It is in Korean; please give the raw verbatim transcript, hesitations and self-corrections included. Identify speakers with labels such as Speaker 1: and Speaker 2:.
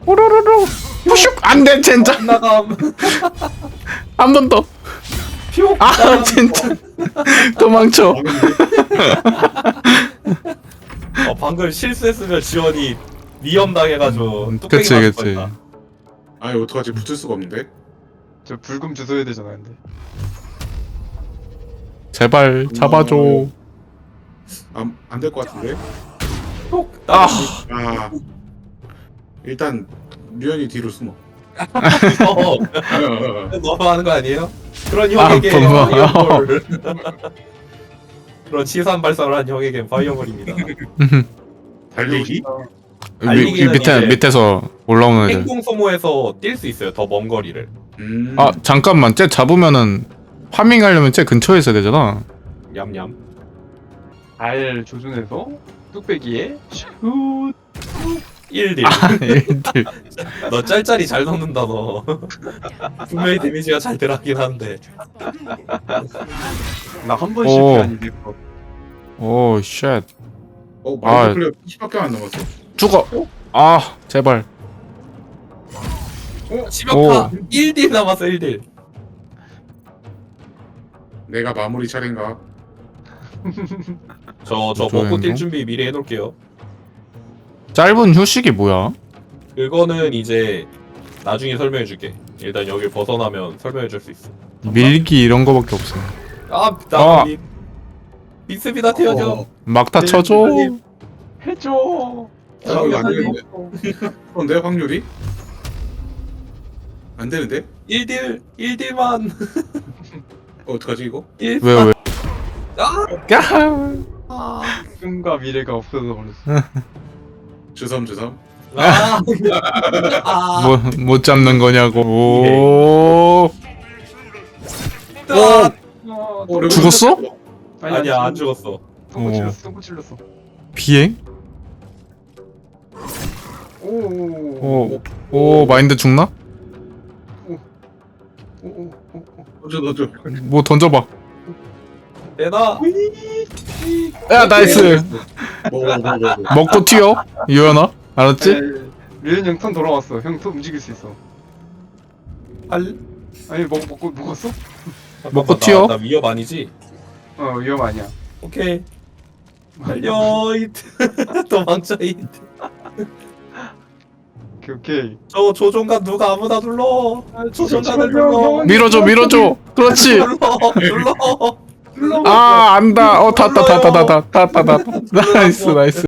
Speaker 1: 오로로로 푸슉 안돼 젠장
Speaker 2: 나감.
Speaker 1: 한 번 더.
Speaker 2: 퓨.
Speaker 1: 아 진짜 도망쳐.
Speaker 2: 어, 방금 실수했으면 지원이 위험 당해가지고
Speaker 1: 음,
Speaker 2: 뚝배기
Speaker 1: 그치,
Speaker 2: 맞을
Speaker 1: 그치.
Speaker 2: 뻔했다.
Speaker 3: 아니 어떡하지 붙을 수가 없는데.
Speaker 4: 저 불금 주소해야 되잖아 근데.
Speaker 1: 제발 잡아줘.
Speaker 3: 안안될 것 같은데.
Speaker 2: 톡.
Speaker 1: 아
Speaker 3: 아 일단 류현이 뒤로 숨어.
Speaker 2: 어, 너무 하는 거 아니에요? 그런 형에게
Speaker 1: 아, 뭐.
Speaker 2: 파이어볼. 그런 치산 발사를 한 형에게 파이어볼입니다.
Speaker 3: 달리기?
Speaker 1: 위, 위
Speaker 2: 달리기는
Speaker 1: 밑에
Speaker 2: 이제
Speaker 1: 밑에서 올라오는 애들.
Speaker 2: 행동 소모에서 뛸 수 있어요. 더 먼 거리를.
Speaker 3: 음.
Speaker 1: 아 잠깐만 쟤 잡으면은 파밍하려면 쟤 근처에 있어야 되잖아.
Speaker 2: 얌얌.
Speaker 4: 잘 조준해서 뚝배기에 슛.
Speaker 2: 일 딜.
Speaker 1: 아 얘들.
Speaker 2: 너 짤짤이 잘 넣는다 너. 분명히 데미지가 잘 들어가긴 한데.
Speaker 4: 나한 번
Speaker 1: 오.
Speaker 4: 실패 아니네. 그거.
Speaker 1: 오 쉣.
Speaker 3: 어
Speaker 1: 아.
Speaker 3: 마이크 플레이 십밖에 안 남았어.
Speaker 1: 죽어. 아 제발.
Speaker 2: 치명타 일 딜 남았어 일 딜.
Speaker 3: 내가 마무리 차례인가?
Speaker 2: 저 저
Speaker 1: 좋아요,
Speaker 2: 먹고 뛸
Speaker 1: 이거?
Speaker 2: 준비 미리 해놓을게요.
Speaker 1: 짧은 휴식이 뭐야?
Speaker 2: 그거는 이제 나중에 설명해줄게. 일단 여길 벗어나면 설명해줄 수 있어.
Speaker 1: 밀기 이런 거밖에 없어.
Speaker 2: 아,
Speaker 1: 아.
Speaker 2: 나 미, 믿습니다 태현이 형.
Speaker 1: 막다
Speaker 2: 네,
Speaker 1: 쳐줘.
Speaker 2: 선생님.
Speaker 4: 해줘.
Speaker 3: 어, 이거 안 되는데. 그런데 확률이? 안 되는데?
Speaker 2: 일 딜 일 딜만
Speaker 3: 어, 어떡하지 이거?
Speaker 2: 일.
Speaker 1: 왜 왜?
Speaker 2: 아,
Speaker 1: 야.
Speaker 2: 아,
Speaker 4: 꿈과 미래가 없어져 버렸어.
Speaker 3: 주섬 주섬.
Speaker 2: 아, 아.
Speaker 1: 뭐 못 잡는 거냐고. 오.
Speaker 2: 아,
Speaker 4: 어,
Speaker 3: 어, 레벨
Speaker 1: 죽었어?
Speaker 3: 쳤어.
Speaker 2: 아니야 안 죽었어.
Speaker 4: 똥꼬
Speaker 1: 어.
Speaker 4: 찔렀어. 똥꼬 찔렀어.
Speaker 1: 비행?
Speaker 4: 오.
Speaker 1: 오. 오 마인드 죽나?
Speaker 4: 오. 오. 오.
Speaker 3: 던져 던져.
Speaker 1: 뭐 던져봐.
Speaker 2: 내놔.
Speaker 1: 야 나이스.
Speaker 3: 먹어 먹어 먹어.
Speaker 1: 먹고 튀어. 유연아. 알았지?
Speaker 4: 류현 형턴 돌아왔어. 형 턴 움직일 수 있어.
Speaker 2: 할.
Speaker 4: 아니 먹 먹고 먹었어?
Speaker 1: 먹고
Speaker 2: 나-
Speaker 1: 튀어?
Speaker 2: 나 위협 아니지?
Speaker 4: 어 위험 아니야.
Speaker 2: 오케이. 달려 이트. 도망쳐 이트.
Speaker 4: 오케이 오케이.
Speaker 2: 저 조종관 누가 아무나 눌러. 조종관을
Speaker 4: 잠시만요,
Speaker 2: 눌러.
Speaker 4: 형.
Speaker 1: 밀어줘 밀어줘. 그렇지.
Speaker 2: 눌러 눌러. 눌러.
Speaker 1: 아 안다. 어 탔다 탔다 탔다 탔다 탔다. 나이스 나이스.